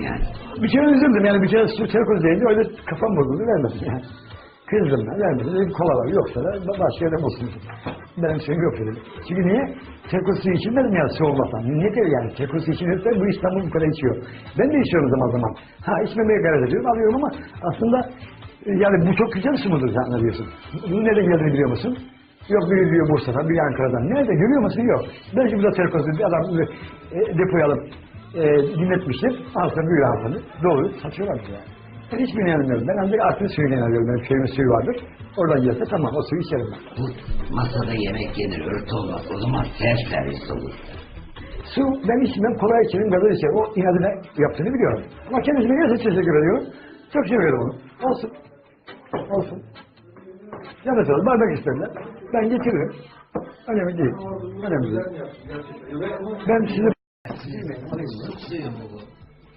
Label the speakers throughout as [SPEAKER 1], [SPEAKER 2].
[SPEAKER 1] yani?
[SPEAKER 2] Bir kere üzüldüm yani bir kere su terkoz deyince öyle kafam bozuldu vermedim yani. Kızdım ben vermedim dedim kola var yoksa da başka yerden olsun. Benim şeyim yok dedim. Çünkü niye? Terkoz suyu içilmez mi ya soğumaktan? Nedir yani? Terkoz suyu içilirse bu İstanbul bu kadar içiyor. Ben de içiyorum zaman zaman. Ha içmemeye gayret ediyorum alıyorum ama aslında yani bu çok güzel su mudur sen ne diyorsun? Bunu nereden geldiğini biliyor musun? Yok biri diyor Bursa'dan, biri Ankara'dan. Nerede görüyor musun? Yok. Belki burada terkozlu bir adam depoya alıp dinletmiştir. Alsa büyür altını. Doğru. Satıyorlar bize yani. Ben hiçbirini yanılmıyorum. Ben ancak artık suyunu yanılıyorum. Benim köyümün suyu vardır. Oradan gelse tamam o suyu içerim ben.
[SPEAKER 1] Bu masada yemek yenir, örtü olmaz. O zaman servis olur.
[SPEAKER 2] Su ben içmem, kolay içerim, gazoz içerim. O inadına yaptığını biliyorum. Ama kendisine gerçekten teşekkür ediyorum. Çok seviyorum onu. Olsun. Olsun. Yanlış olur. Bardak isterler. Ben getiririm. Önemli değil. Önemli değil. Ben size...
[SPEAKER 1] Su suyu mu bu?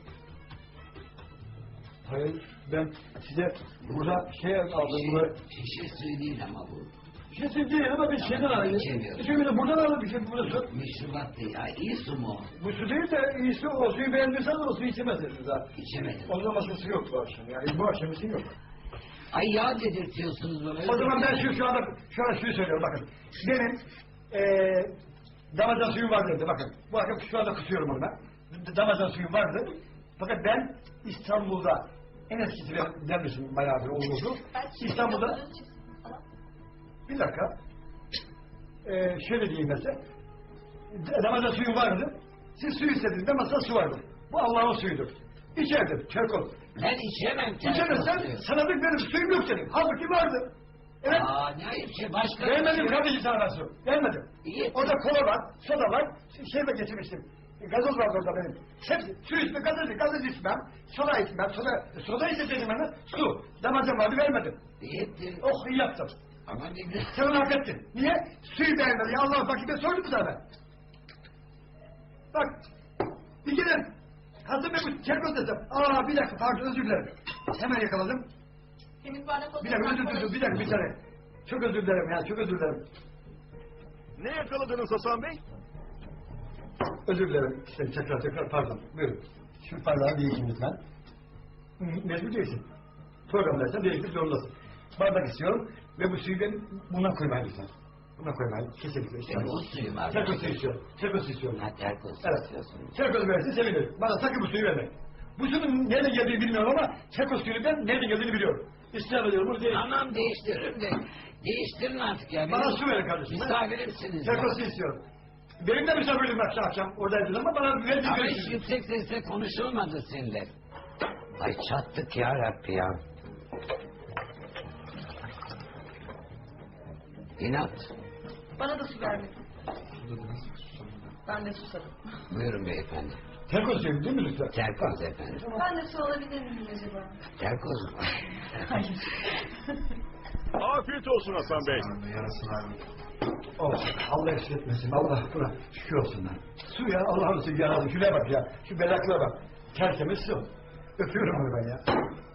[SPEAKER 2] Hayır, ben size burada şey aldım.
[SPEAKER 1] Şişe suyu değil ama bu.
[SPEAKER 2] Şişe suyu değil ama bir şeyden aldım.
[SPEAKER 1] İçemiyorum.
[SPEAKER 2] Şimdi buradan aldım bir şey burada su.
[SPEAKER 1] Meşrubat değil. Ya iyi su mu?
[SPEAKER 2] Bu su değil de iyi su. O suyu beğendiyseniz o suyu içemezsiniz daha.
[SPEAKER 1] İçemedim.
[SPEAKER 2] O zaman su yok bu akşam. Yani bu akşam su yok.
[SPEAKER 1] Ay yağ dedirtiyorsunuz bana.
[SPEAKER 2] O zaman ben şu anda şuyu söylüyorum bakın. Benim damacana suyum var dedi bakın. Bu akşam şu anda kısıyorum onu ben. Damacana suyum vardı. Fakat ben İstanbul'da en eskisi demişim bayağı bir olurdu. İstanbul'da bir dakika şöyle diyeyim mesela damacana suyum vardı. Siz su istediğinizde masada su vardı. Bu Allah'ın suyudur. İçerdim çerkoz.
[SPEAKER 1] Ben içemem.
[SPEAKER 2] İçemezsen sana benim suyum yok senin. Halbuki vardı. Evet.
[SPEAKER 1] Aa ne ayıp şey başka.
[SPEAKER 2] Vermedim kardeşim sana ben su. Vermedim.
[SPEAKER 1] İyi.
[SPEAKER 2] Orada kola var, soda var. Şey de getirmiştim. Gazoz var orada benim. Hepsi su içme, gazoz içmem. Soda içmem. Soda içeceğim bana. Su. Damacam vardı vermedim.
[SPEAKER 1] İyi.
[SPEAKER 2] Oh iyi yaptım.
[SPEAKER 1] Ama ne güzel.
[SPEAKER 2] Sen onu hak ettin. Niye? Suyu beğenmedi. Ya Allah bak ben sordum mu sana? Bak. Bir kere hazır ben bu çerkoz desem. Aa bir dakika pardon özür dilerim. Hemen yakaladım. Bir dakika özür dilerim bir saniye. Çok özür dilerim ya çok özür dilerim.
[SPEAKER 3] Ne yakaladınız Hasan Bey?
[SPEAKER 2] Özür dilerim. İşte tekrar pardon. Buyurun. Şu bardağı değişin lütfen. Mecbur değilsin. Programdaysan değiştir zorundasın. Bardak istiyorum ve bu suyu ben buna koymayı lütfen. Buna koymayı kesinlikle istiyorum.
[SPEAKER 1] O suyu var.
[SPEAKER 2] Terkoz suyu istiyorum. Terkoz suyu istiyorum.
[SPEAKER 1] Ha terkoz
[SPEAKER 2] Evet.
[SPEAKER 1] istiyorsun.
[SPEAKER 2] Terkoz verirsin sevinirim. Bana sakın bu suyu verme. Bu suyun nereden geldiğini bilmiyorum ama terkoz suyu ben nereden geldiğini biliyorum. İstirham ediyorum bunu değil.
[SPEAKER 1] Tamam değiştiririm de. Değiştirin artık ya.
[SPEAKER 2] Bana su verin kardeşim.
[SPEAKER 1] Misafirimsiniz.
[SPEAKER 2] Terkoz suyu istiyorum. Benim de misafirliğim akşam oradaydı ama bana verdiği
[SPEAKER 1] Ama hiç yüksek sesle konuşulmadı seninle. Ay çattık ya Rabbi ya. İnat.
[SPEAKER 4] Bana da su vermedin. Ben de susadım.
[SPEAKER 1] Buyurun beyefendi.
[SPEAKER 2] Terkoz suyu değil mi lütfen?
[SPEAKER 1] Terkoz efendim.
[SPEAKER 4] Ben de su alabilir miyim acaba?
[SPEAKER 1] Terkoz mu?
[SPEAKER 4] Hayır.
[SPEAKER 3] Afiyet olsun Hasan Bey.
[SPEAKER 2] Oh, Allah esretmesin. Allah buna şükür olsun lan. Su ya Allah'ın suyu yarabbim. Şuraya bak ya. Şu belaklığa bak. Tertemiz su. Öpüyorum onu ben ya.